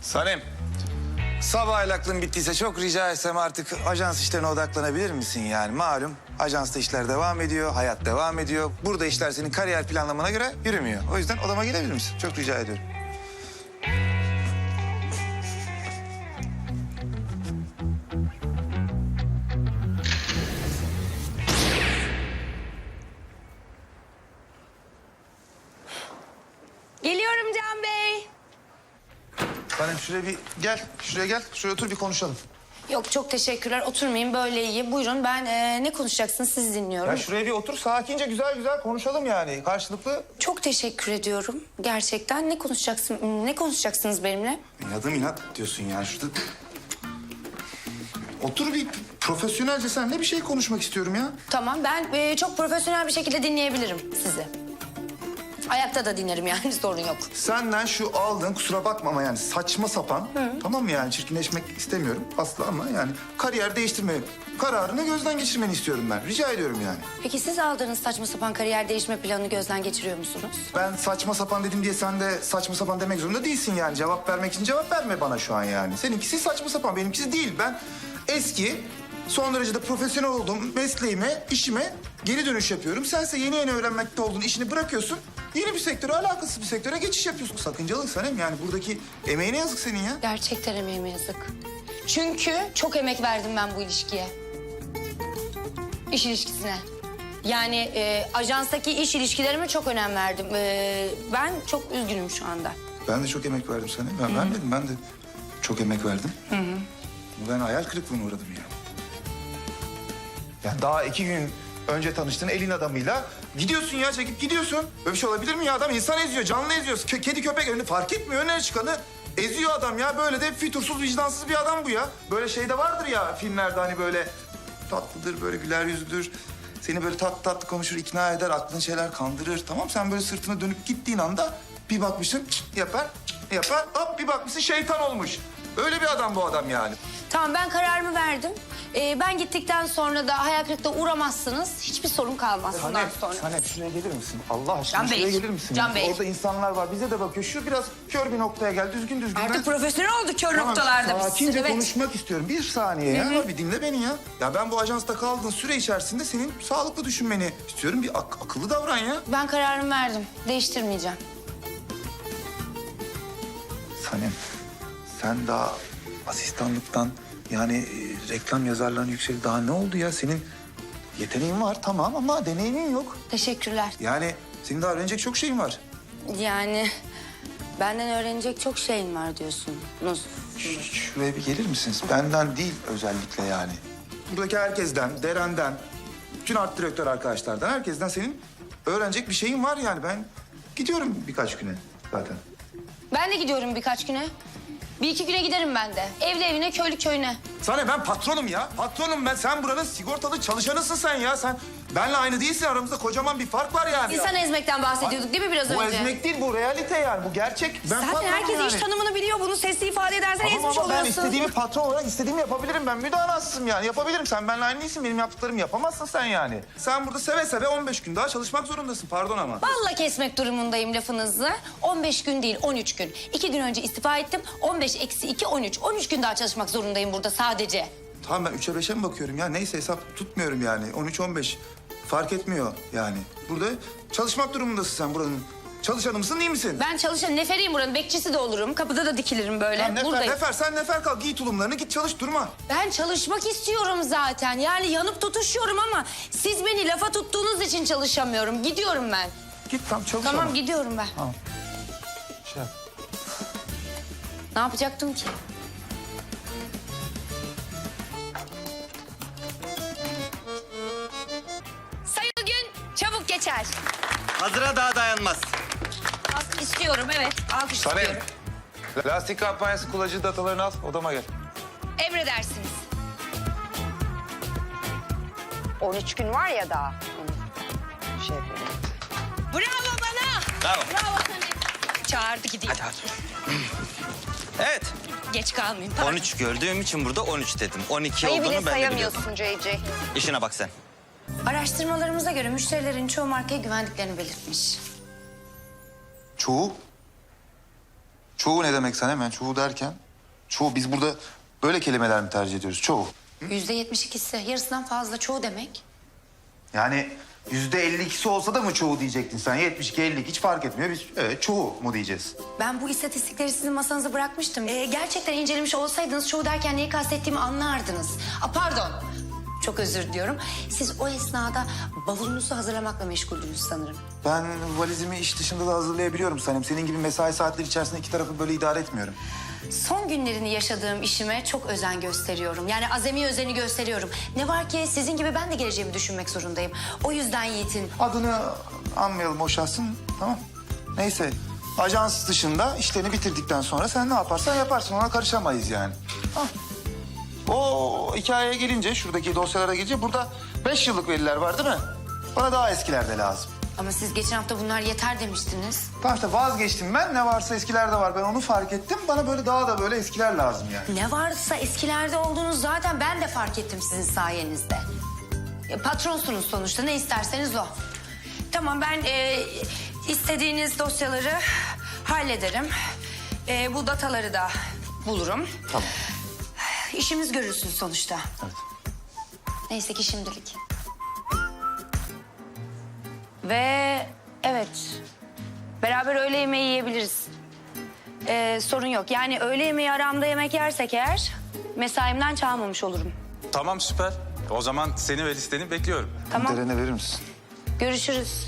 Sanem, sabah aklın bittiyse çok rica etsem artık ajans işlerine odaklanabilir misin yani? Malum ajansta işler devam ediyor, hayat devam ediyor. Burada işler senin kariyer planlamana göre yürümüyor. O yüzden odama gelebilir misin? Çok rica ediyorum. Geliyorum Can Bey. Sanem şuraya bir gel, şuraya gel. Şuraya otur bir konuşalım. Yok çok teşekkürler. Oturmayayım böyle iyi. Buyurun ben ne konuşacaksınız siz dinliyorum. Ya şuraya bir otur, sakince güzel güzel konuşalım yani. Karşılıklı. Çok teşekkür ediyorum. Gerçekten ne konuşacaksınız benimle? İnadım inat diyorsun yani şurada. Otur bir profesyonelce seninle bir şey konuşmak istiyorum ya. Tamam ben çok profesyonel bir şekilde dinleyebilirim sizi. Ayakta da dinlerim yani sorun yok. Senden şu aldığın kusura bakma ama yani saçma sapan tamam mı yani çirkinleşmek istemiyorum asla ama yani kariyer değiştirme kararını gözden geçirmeni istiyorum ben. Rica ediyorum yani. Peki siz aldığınız saçma sapan kariyer değişme planını gözden geçiriyor musunuz? Ben saçma sapan dedim diye sen de saçma sapan demek zorunda değilsin yani. Cevap vermek için cevap verme bana şu an yani. Seninkisi saçma sapan benimkisi değil. Ben eski son derece de profesyonel olduğum mesleğime, işime geri dönüş yapıyorum. Sense yeni yeni öğrenmekte olduğun işini bırakıyorsun. Yeni bir sektöre, alakasız bir sektöre geçiş yapıyorsun. Sakıncalı Sanem yani buradaki emeğine yazık senin ya. Gerçekten emeğime yazık. Çünkü çok emek verdim ben bu ilişkiye. İş ilişkisine. Yani ajanstaki iş ilişkilerime çok önem verdim. Ben çok üzgünüm şu anda. Ben de çok emek verdim sana. Ben vermedim, ben de çok emek verdim. Ben hayal kırıklığına uğradım ya. Ya daha 2 gün önce tanıştığın elin adamıyla gidiyorsun ya, çekip gidiyorsun. Böyle bir şey olabilir mi ya? Adam insan eziyor, canlı eziyor. Kedi köpek önünü fark etmiyor, önüne çıkanı eziyor adam ya. Böyle de fütursuz, vicdansız bir adam bu ya. Böyle şey de vardır ya filmlerde hani böyle tatlıdır, böyle güler yüzlüdür. Seni böyle tatlı tatlı konuşur, ikna eder, aklın şeyler kandırır. Tamam sen böyle sırtına dönüp gittiğin anda bir bakmışsın yapar, hop bir bakmışsın şeytan olmuş. Öyle bir adam bu adam yani. Tamam ben kararımı verdim. Ben gittikten sonra da hayal kırıklığına uğramazsınız. Hiçbir sorun kalmaz bundan sonra. Sanem şuraya gelir misin? Allah aşkına Can Bey, şuraya gelir misin? Can Bey. Orada insanlar var, bize de bakıyor. Şu biraz kör bir noktaya gel, düzgün. Artık profesyonel olduk kör Tamam, noktalarda biz. sakince Evet. konuşmak istiyorum. Bir saniye ya, bir dinle beni ya. Ya ben bu ajansta kaldığın süre içerisinde senin sağlıklı düşünmeni istiyorum. Bir akıllı davran ya. Ben kararımı verdim. Değiştirmeyeceğim. Sanem, sen daha asistanlıktan yani reklam yazarlarına yüksel daha ne oldu ya? Senin yeteneğin var tamam ama deneyimin yok. Teşekkürler. Yani senin daha öğrenecek çok şeyin var. Yani benden öğrenecek çok şeyin var diyorsunuz. Şuraya bir gelir misiniz? Benden değil özellikle yani. Buradaki herkesten, Deren'den, bütün art direktör arkadaşlardan, herkesten senin öğrenecek bir şeyin var yani. Ben gidiyorum birkaç güne zaten. Ben de gidiyorum birkaç güne. 1-2 güne giderim ben de. Evli evine, köylü köyüne. Sana ben patronum ya. Patronum ben. Sen buranın sigortalı çalışanısın sen ya. Sen benle aynı değilsin. Aramızda kocaman bir fark var yani. İnsan ezmekten bahsediyorduk değil mi biraz Bu önce? ezmek değil, bu realite yani. Bu gerçek. Ben Zaten patronum herkes yani. iş tanımını biliyor. Bunu sesli ifade edersen Tamam ezmiş ama ben oluyorsun. istediğimi patron olarak istediğimi yapabilirim ben. Müdahalesizim yani. Yapabilirim. Sen benimle aynı değilsin. Benim yaptıklarımı yapamazsın sen yani. Sen burada seve seve 15 gün daha çalışmak zorundasın. Pardon ama. Balla kesmek durumundayım lafınızı. 15 gün değil 13 gün. 2 gün önce istifa ettim. 15 eksi 2 13. 13 gün daha çalışmak zorundayım burada sadece. Tamam ben 3'e 5'e mi bakıyorum ya? Neyse hesap tutmuyorum yani. 13-15 fark etmiyor yani. Burada çalışmak durumundasın sen buranın. Çalışanı mısın değil misin? Ben çalışan neferiyim buranın. Bekçisi de olurum. Kapıda da dikilirim böyle. Tamam, Buradayım. sen nefer kal. Giy tulumlarını git çalış durma. Ben çalışmak istiyorum zaten. Yani yanıp tutuşuyorum ama siz beni lafa tuttuğunuz için çalışamıyorum. Gidiyorum ben. Git tam çalış Tamam ama. gidiyorum ben. Tamam. Şey yap. Ne yapacaktım ki? Sayılı gün çabuk geçer. Hazıra daha dayanmaz. Alkış istiyorum evet. Alkış Sanem. istiyorum. Lastik kampanyası kullanıcı datalarını al. Odama gel. Emredersiniz. 13 gün var ya daha. Şey yapayım. Bravo bana. Bravo. Bravo sana. Çağırdı gideyim. Evet. Geç kalmayayım. Pardon. 13 gördüğüm için burada 13 dedim. 12 Sayı bile olduğunu ben de biliyordum. sayamıyorsun JJ. İşine bak sen. Araştırmalarımıza göre müşterilerin çoğu markaya güvendiklerini belirtmiş. Çoğu. Çoğu ne demek sen hemen? Çoğu derken? Çoğu, biz burada böyle kelimeler mi tercih ediyoruz? Çoğu. %72'si, yarısından fazla çoğu demek. Yani %52'si olsa da mı çoğu diyecektin sen? 72, 52 hiç fark etmiyor. Biz evet çoğu mu diyeceğiz? Ben bu istatistikleri sizin masanıza bırakmıştım. Gerçekten incelemiş olsaydınız çoğu derken neyi kastettiğimi anlardınız. Pardon. Çok özür diliyorum. Siz o esnada bavulunuzu hazırlamakla meşguldünüz sanırım. Ben valizimi iş dışında da hazırlayabiliyorum Sanem. Senin gibi mesai saatleri içerisinde iki tarafı böyle idare etmiyorum. Son günlerini yaşadığım işime çok özen gösteriyorum. Yani azami özeni gösteriyorum. Ne var ki sizin gibi ben de geleceğimi düşünmek zorundayım. O yüzden Yiğit'in... Adını anmayalım o şahsın, tamam. Neyse, ajans dışında işlerini bitirdikten sonra sen ne yaparsan yaparsın. Ona karışamayız yani. Ah. O hikayeye gelince, şuradaki dosyalara gelince burada 5 yıllık veriler var değil mi? Bana daha eskiler de lazım. Ama siz geçen hafta bunlar yeter demiştiniz. Tamam işte vazgeçtim ben. Ne varsa eskiler de var. Ben onu fark ettim. Bana böyle daha da böyle eskiler lazım yani. Ne varsa eskilerde olduğunuz zaten ben de fark ettim sizin sayenizde. Patronsunuz sonuçta, ne isterseniz o. Tamam, ben istediğiniz dosyaları hallederim. Bu dataları da bulurum. Tamam. İşimiz görülsün sonuçta. Evet. Neyse ki şimdilik. Ve evet, beraber öğle yemeği yiyebiliriz. Sorun yok. Yani öğle yemeği aramda yemek yersek eğer mesaimden çalmamış olurum. Tamam süper. O zaman seni ve listeni bekliyorum. Tamam. Derene verir misin? Görüşürüz.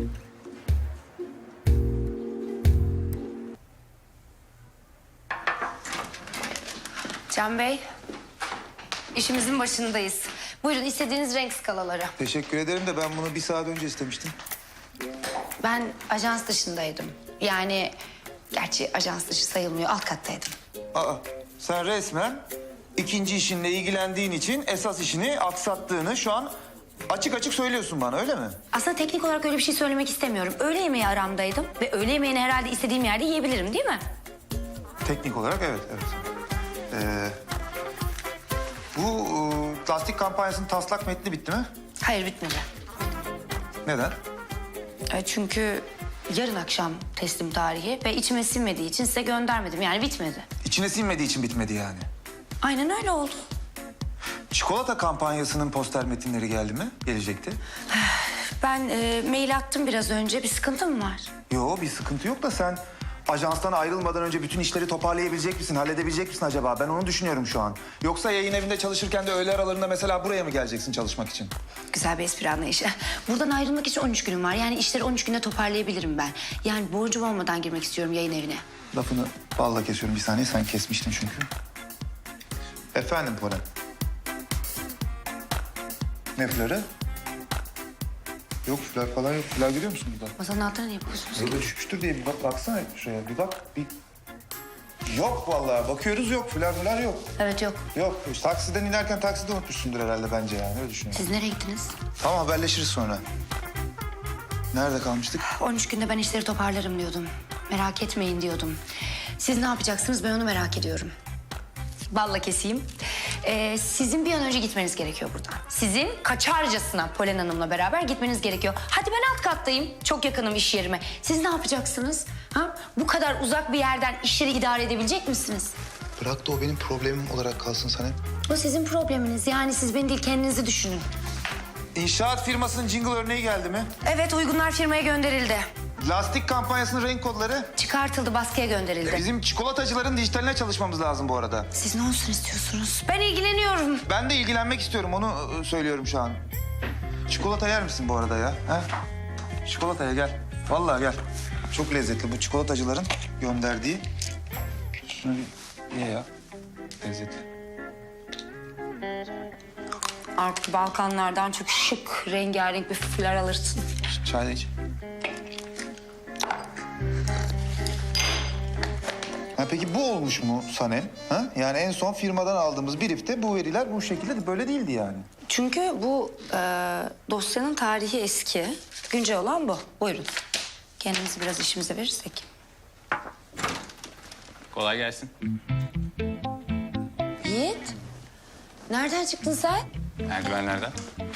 Can Bey, işimizin başındayız. Buyurun istediğiniz renk skalaları. Teşekkür ederim de ben bunu bir saat önce istemiştim. Ben ajans dışındaydım. Yani gerçi ajans dışı sayılmıyor, alt kattaydım. Aa, sen resmen ikinci işinle ilgilendiğin için esas işini aksattığını şu an açık açık söylüyorsun bana, öyle mi? Aslında teknik olarak öyle bir şey söylemek istemiyorum. Öğle yemeği aramdaydım ve öğle yemeğini herhalde istediğim yerde yiyebilirim, değil mi? Teknik olarak evet, evet. Bu lastik kampanyasının taslak metni bitti mi? Hayır, bitmedi. Neden? Çünkü yarın akşam teslim tarihi ve içime sinmediği için size göndermedim. Yani bitmedi. İçine sinmediği için bitmedi yani. Aynen öyle oldu. Çikolata kampanyasının poster metinleri geldi mi? Gelecekti. Ben mail attım biraz önce. Bir sıkıntı mı var? Yo, bir sıkıntı yok da sen ajanstan ayrılmadan önce bütün işleri toparlayabilecek misin, halledebilecek misin acaba? Ben onu düşünüyorum şu an. Yoksa yayın evinde çalışırken de öğle aralarında mesela buraya mı geleceksin çalışmak için? Güzel bir espri anlayışı. Buradan ayrılmak için 13 günüm var. Yani işleri 13 günde toparlayabilirim ben. Yani borcum olmadan girmek istiyorum yayın evine. Lafını balla kesiyorum bir saniye, sen kesmiştin çünkü. Efendim Polen. Ne flörü? Yok flör falan yok. Flör görüyor musun burada? Masanın altına ne yapıyorsunuz? Böyle düşmüştür diye bir bak, baksana şuraya. Bir bak, bir... Yok vallahi, bakıyoruz yok. Flör yok. Evet, yok. Yok, taksiden inerken takside unutmuşsundur herhalde bence yani, öyle düşünüyorum. Siz nereye gittiniz? Tamam, haberleşiriz sonra. Nerede kalmıştık? 13 günde ben işleri toparlarım diyordum. Merak etmeyin diyordum. Siz ne yapacaksınız, ben onu merak ediyorum. Balla keseyim. Sizin bir an önce gitmeniz gerekiyor buradan. Sizin kaçarcasına Polen Hanım'la beraber gitmeniz gerekiyor. Hadi ben alt kattayım. Çok yakınım iş yerime. Siz ne yapacaksınız? Ha? Bu kadar uzak bir yerden işleri idare edebilecek misiniz? Bırak da o benim problemim olarak kalsın Sanem. O sizin probleminiz. Yani siz beni değil, kendinizi düşünün. İnşaat firmasının jingle örneği geldi mi? Evet, uygunlar firmaya gönderildi. Lastik kampanyasının renk kodları. Çıkartıldı, baskıya gönderildi. Bizim çikolatacıların dijitaline çalışmamız lazım bu arada. Siz ne olsun istiyorsunuz? Ben ilgileniyorum. Ben de ilgilenmek istiyorum, onu söylüyorum şu an. Çikolata yer misin bu arada ya? Ha? Çikolataya gel. Vallahi gel. Çok lezzetli bu çikolatacıların gönderdiği. Şunu bir ye ya. Lezzetli. Artık Balkanlardan çok şık, rengarenk bir flör alırsın. Çay da iç. Ha, peki bu olmuş mu Sanem? Ha? Yani en son firmadan aldığımız briefte bu veriler bu şekilde böyle değildi yani. Çünkü bu dosyanın tarihi eski. Güncel olan bu. Buyurun. Kendimizi biraz işimize verirsek. Kolay gelsin. Yiğit, nereden çıktın sen? Merdivenlerden.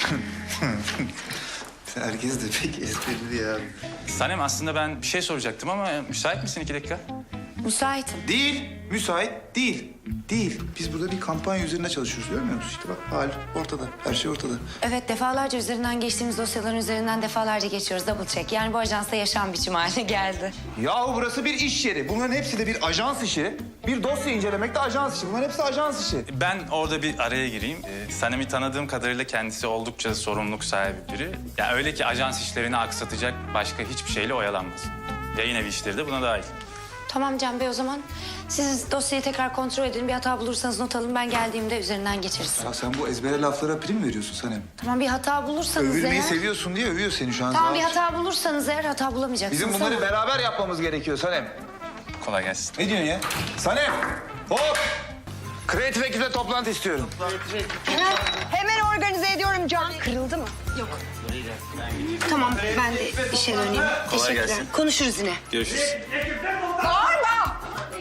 Herkes de pek esprili ya. Sanem aslında ben bir şey soracaktım ama müsait misin 2 dakika? Müsaitim. Değil, müsait değil. Değil. Biz burada bir kampanya üzerine çalışıyoruz, görmüyor musun? İşte bak hal ortada, her şey ortada. Evet, defalarca üzerinden geçtiğimiz dosyaların üzerinden defalarca geçiyoruz. Double check. Yani bu ajansta yaşam biçimi haline geldi. Yahu burası bir iş yeri. Bunların hepsi de bir ajans işi. Bir dosya incelemek de ajans işi. Bunların hepsi ajans işi. Ben orada bir araya gireyim. Sanem'i tanıdığım kadarıyla kendisi oldukça sorumluluk sahibi biri. Yani öyle ki ajans işlerini aksatacak başka hiçbir şeyle oyalanmaz. Yayın evi işleri de buna dahil. Tamam Can Bey, o zaman siz dosyayı tekrar kontrol edin. Bir hata bulursanız not alın. Ben geldiğimde üzerinden geçeriz. Ya sen bu ezbere laflara prim veriyorsun Sanem. Tamam, bir hata bulursanız Övülmeyi eğer... seviyorsun diye övüyor seni şu an. Tamam, bir Zavur. hata bulursanız eğer hata bulamayacaksınız. Bizim bunları Tamam. beraber yapmamız gerekiyor Sanem. Kolay gelsin. Ne diyorsun ya? Sanem! Hop! Kreatif ekiple toplantı istiyorum. Hemen organize ediyorum Can. Kırıldı mı? Tamam, ben de işe döneyim. Teşekkürler. gelsin. Konuşuruz yine. Görüşürüz. Bağırma!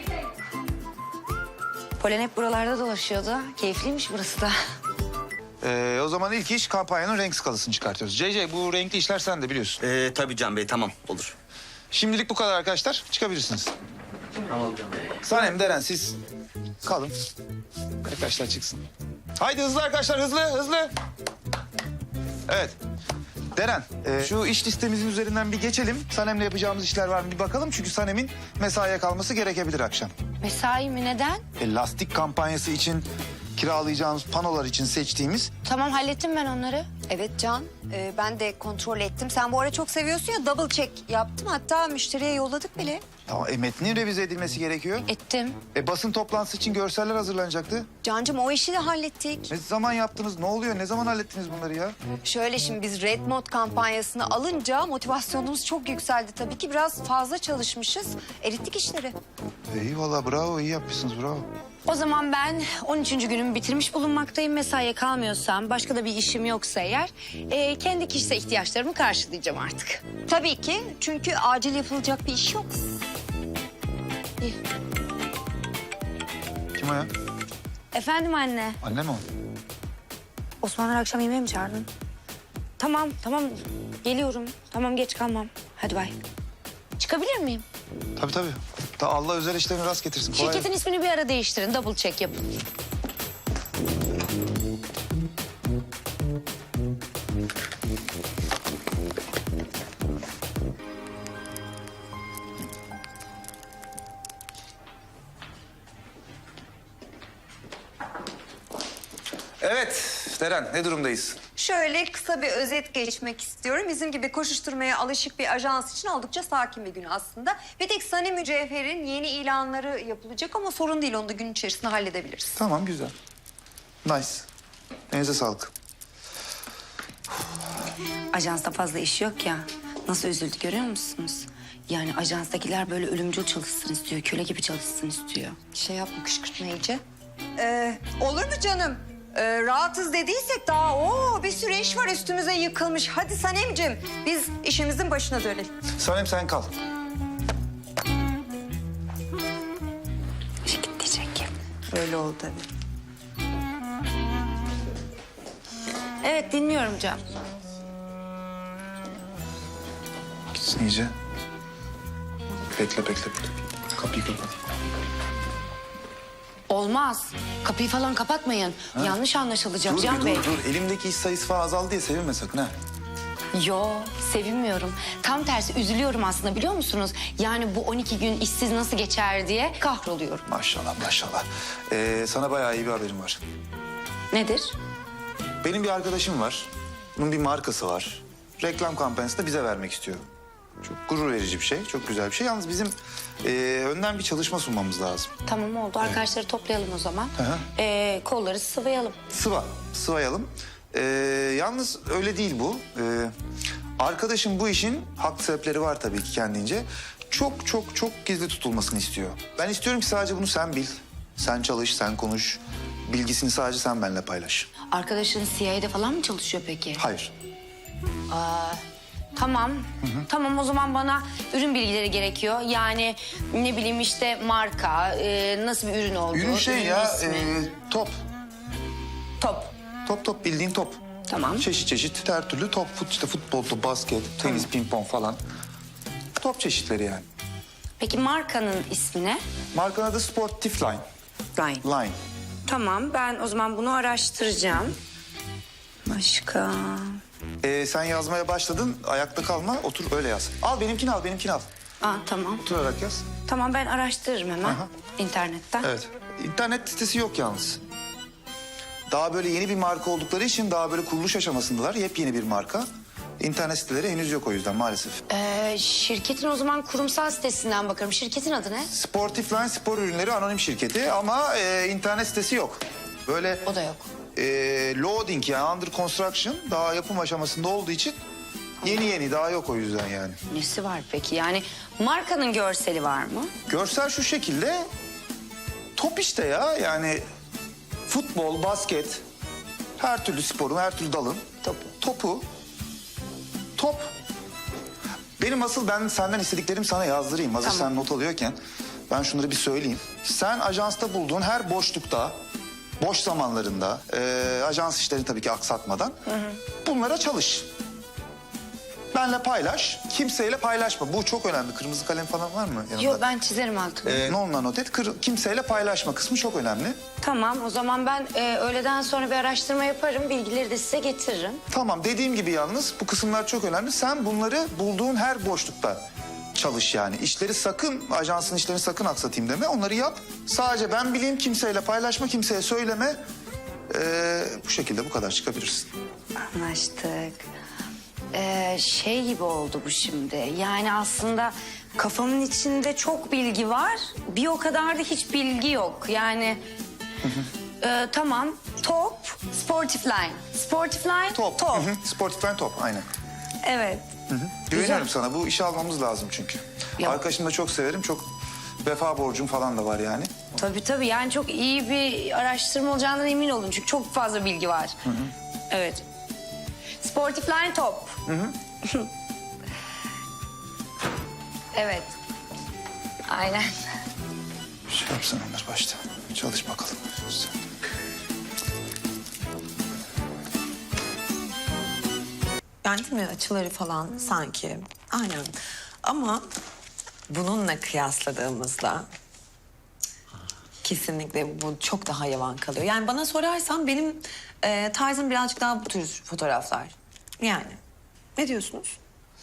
Polen hep buralarda dolaşıyordu. Keyifliymiş burası da. O zaman ilk iş kampanyanın renk skalasını çıkartıyoruz. CC bu renkli işler sen de biliyorsun. Tabii Can Bey, tamam, olur. Şimdilik bu kadar arkadaşlar. Çıkabilirsiniz. Sanem, Deren siz kalın. Arkadaşlar çıksın. Haydi hızlı arkadaşlar, hızlı. Evet. Deren, şu iş listemizin üzerinden bir geçelim. Sanem'le yapacağımız işler var mı bir bakalım. Çünkü Sanem'in mesaiye kalması gerekebilir akşam. Mesai mi? Neden? Lastik kampanyası için kiralayacağımız panolar için seçtiğimiz... Tamam, hallettim ben onları. Evet Can, ben de kontrol ettim. Sen bu ara çok seviyorsun ya, double check yaptım. Hatta müşteriye yolladık bile. Tamam, metnin revize edilmesi gerekiyor. Ettim. Basın toplantısı için görseller hazırlanacaktı. Cancığım o işi de hallettik. Ne zaman yaptınız? Ne oluyor? Ne zaman hallettiniz bunları ya? Şöyle şimdi biz Red Mod kampanyasını alınca motivasyonumuz çok yükseldi tabii ki. Biraz fazla çalışmışız. Erittik işleri. İyi valla bravo, iyi yapmışsınız bravo. O zaman ben 13. günümü bitirmiş bulunmaktayım. Mesaiye kalmıyorsam, başka da bir işim yoksa eğer... kendi kişisel ihtiyaçlarımı karşılayacağım artık. Tabii ki, çünkü acil yapılacak bir iş yok. İyi. Kim o ya? Efendim anne. Anne mi o? Osmanlar akşam yemeğe mi çağırdın? Tamam, geliyorum. Tamam, geç kalmam. Hadi bay. Çıkabilir miyim? Tabii tabii. Allah özel işlerini rast getirsin. Kolay Şirketin ismini bir ara değiştirin. Double check yapın. Evet Deren, ne durumdayız? Şöyle kısa bir özet geçmek istiyorum. Bizim gibi koşuşturmaya alışık bir ajans için oldukça sakin bir gün aslında. Bir tek Sani Mücevher'in yeni ilanları yapılacak ama sorun değil. Onu da gün içerisinde halledebiliriz. Tamam, güzel. Nice. Elinize sağlık. Ajansta fazla iş yok ya. Nasıl üzüldü görüyor musunuz? Yani ajanstakiler böyle ölümcül çalışsın istiyor. Köle gibi çalışsın istiyor. Şey yapma, kışkırtma iyice. Olur mu canım? Rahatız dediysek daha bir sürü iş var üstümüze yıkılmış. Hadi Sanemciğim biz işimizin başına dönelim. Sanem sen kal. İşe git diyecek. Öyle oldu tabii. Evet, dinliyorum Can. Gitsin iyice. Bekle. Kapıyı kapat. Olmaz. Kapıyı falan kapatmayın. Yanlış anlaşılacak Dur, Can Bey. dur. Elimdeki iş sayısı falan azaldı diye sevinme sakın ha. Yo, sevinmiyorum. Tam tersi üzülüyorum aslında, biliyor musunuz? Yani bu 12 gün işsiz nasıl geçer diye kahroluyorum. Maşallah. Sana bayağı iyi bir haberim var. Nedir? Benim bir arkadaşım var. Bunun bir markası var. Reklam kampanyasını bize vermek istiyor. Çok gurur verici bir şey, çok güzel bir şey. Yalnız bizim önden bir çalışma sunmamız lazım. Tamam, oldu. Arkadaşları toplayalım o zaman. Hı. Kolları sıvayalım. Sıvayalım. Yalnız öyle değil bu. Arkadaşım bu işin haklı sebepleri var tabii ki kendince. Çok gizli tutulmasını istiyor. Ben istiyorum ki sadece bunu sen bil. Sen çalış, sen konuş. Bilgisini sadece sen benimle paylaş. Arkadaşın CIA'de falan mı çalışıyor peki? Hayır. Tamam. Tamam, o zaman bana ürün bilgileri gerekiyor. Yani ne bileyim işte marka, nasıl bir ürün olduğu. Ürün şey ya, ismi. top. Top. Top bildiğin top. Tamam. Çeşit her türlü top. İşte futbol, basket, tenis, pimpon falan. Top çeşitleri yani. Peki markanın ismi ne? Markanın adı Sportif Line. Line. Line. Tamam, ben o zaman bunu araştıracağım. Başka? Sen yazmaya başladın. Ayakta kalma. Otur öyle yaz. Al benimkini al, benimkini al. Aa, tamam. Oturarak yaz. Tamam, ben araştırırım hemen Aha. internetten. Evet. İnternet sitesi yok yalnız. Daha böyle yeni bir marka oldukları için daha böyle kuruluş aşamasındalar. Yepyeni bir marka. İnternet siteleri henüz yok o yüzden maalesef. Şirketin o zaman kurumsal sitesinden bakarım. Şirketin adı ne? Sportif Line spor ürünleri anonim şirketi ama internet sitesi yok. Böyle O da yok. loading yani under construction daha yapım aşamasında olduğu için yeni daha yok o yüzden yani. Nesi var peki? Yani markanın görseli var mı? Görsel şu şekilde top işte ya yani futbol, basket her türlü sporun, her türlü dalın top. Ben senden istediklerimi sana yazdırayım. Hazır Tamam. sen not alıyorken ben şunları bir söyleyeyim. Sen ajansta bulduğun her boşlukta, boş zamanlarında, ajans işlerini tabii ki aksatmadan bunlara çalış. Benle paylaş, kimseyle paylaşma. Bu çok önemli. Kırmızı kalem falan var mı yanında? Yok, ben çizerim altını. Nonla not et. Kimseyle paylaşma kısmı çok önemli. Tamam, o zaman ben öğleden sonra bir araştırma yaparım. Bilgileri de size getiririm. Tamam dediğim gibi yalnız bu kısımlar çok önemli. Sen bunları bulduğun her boşlukta çalış yani. İşleri sakın, ajansın işlerini sakın aksatayım deme. Onları yap. Sadece ben bileyim, kimseyle paylaşma, kimseye söyleme. Bu şekilde bu kadar çıkabilirsin. Anlaştık. Şey gibi oldu bu şimdi. Yani aslında kafamın içinde çok bilgi var. Bir o kadar da hiç bilgi yok. Yani tamam. Top, Sportif Line. Sportif Line, Top. Hı hı. Sportif Line top aynen. Evet. Güveniyorum sana. Bu işi almamız lazım çünkü. Ya- Arkadaşımı da çok severim. Çok vefa borcum falan da var yani. Tabii yani çok iyi bir araştırma olacağından emin olun. Çünkü çok fazla bilgi var. Evet. Sportif Line top. Evet. Aynen. Şey yapsın Ömer başta. Çalış bakalım. Yani değil mi açıları falan sanki aynen. Ama bununla kıyasladığımızda kesinlikle bu çok daha yavan kalıyor. Yani bana sorarsan benim tarzım birazcık daha bu tür fotoğraflar. Yani ne diyorsunuz?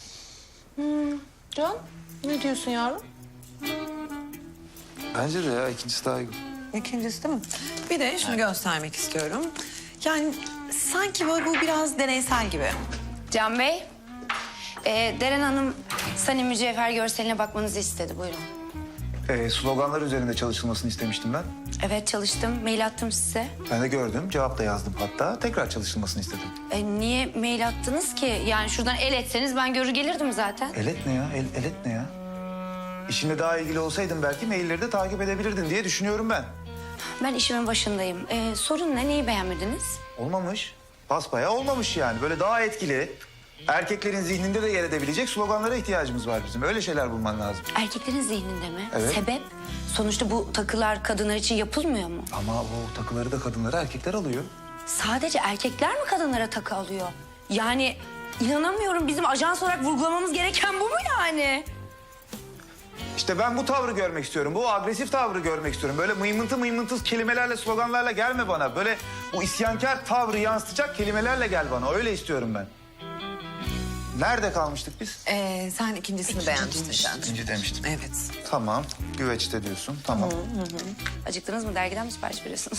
Can, ne diyorsun yavrum? Bence de ya ikincisi daha iyi. İkincisi değil mi? Bir de şunu göstermek istiyorum. Yani sanki böyle bu biraz deneysel gibi. Can Bey, Deren Hanım Sani Mücevher görseline bakmanızı istedi. Buyurun. Sloganlar üzerinde çalışılmasını istemiştim ben. Evet, çalıştım. Mail attım size. Ben de gördüm. Cevap da yazdım hatta. Tekrar çalışılmasını istedim. Niye mail attınız ki? Yani şuradan el etseniz ben görür gelirdim zaten. Elet ne ya? Elet ne ya? İşinle daha ilgili olsaydın belki mailleri de takip edebilirdin diye düşünüyorum ben. Ben işimin başındayım. Sorun ne? Neyi beğenmediniz? Olmamış. Basbayağı olmamış yani. Böyle daha etkili, erkeklerin zihninde de yer edebilecek sloganlara ihtiyacımız var bizim. Öyle şeyler bulman lazım. Erkeklerin zihninde mi? Evet. Sebep? Sonuçta bu takılar kadınlar için yapılmıyor mu? Ama o takıları da kadınlara erkekler alıyor. Sadece erkekler mi kadınlara takı alıyor? Yani inanamıyorum. Bizim ajans olarak vurgulamamız gereken bu mu yani? İşte ben bu tavrı görmek istiyorum. Bu agresif tavrı görmek istiyorum. Böyle mıymıntı kelimelerle, sloganlarla gelme bana. Böyle bu isyankar tavrı yansıtacak kelimelerle gel bana. Öyle istiyorum ben. Nerede kalmıştık biz? Sen ikincisini beğenmiştin Can. İkinci demiştim. Evet. Tamam. Güveçte diyorsun. Tamam. Acıktınız mı? Dergiden mi sipariş veriyorsunuz?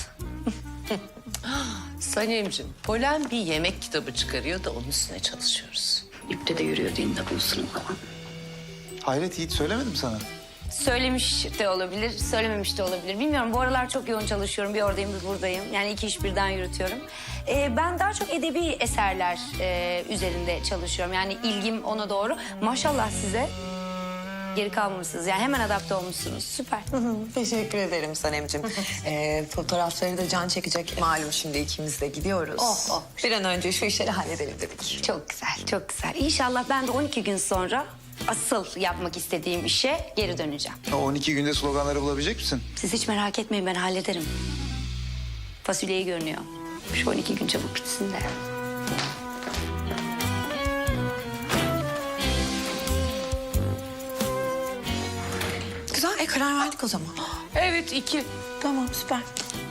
Sanemciğim, Polen bir yemek kitabı çıkarıyor da onun üstüne çalışıyoruz. İpte de yürüyor din bulsun falan. Hayret Yiğit söylemedim sana. Söylemiş de olabilir, söylememiş de olabilir. Bilmiyorum, bu aralar çok yoğun çalışıyorum. Bir oradayım, bir buradayım. Yani iki iş birden yürütüyorum. Ben daha çok edebi eserler üzerinde çalışıyorum. Yani ilgim ona doğru. Maşallah size. Geri kalmamışsınız. Yani hemen adapte olmuşsunuz. Süper. Teşekkür ederim Sanemciğim. Fotoğrafları da Can çekecek. Malum şimdi ikimiz de gidiyoruz. Oh. Bir an önce şu işleri halledelim dedik. Çok güzel, çok güzel. İnşallah ben de 12 gün sonra asıl yapmak istediğim işe geri döneceğim. O 12 günde sloganları bulabilecek misin? Siz hiç merak etmeyin, ben hallederim. Fasulyeyi görünüyor. Şu 12 gün çabuk bitsin de. Karar verdik o zaman. Evet 2. Tamam süper.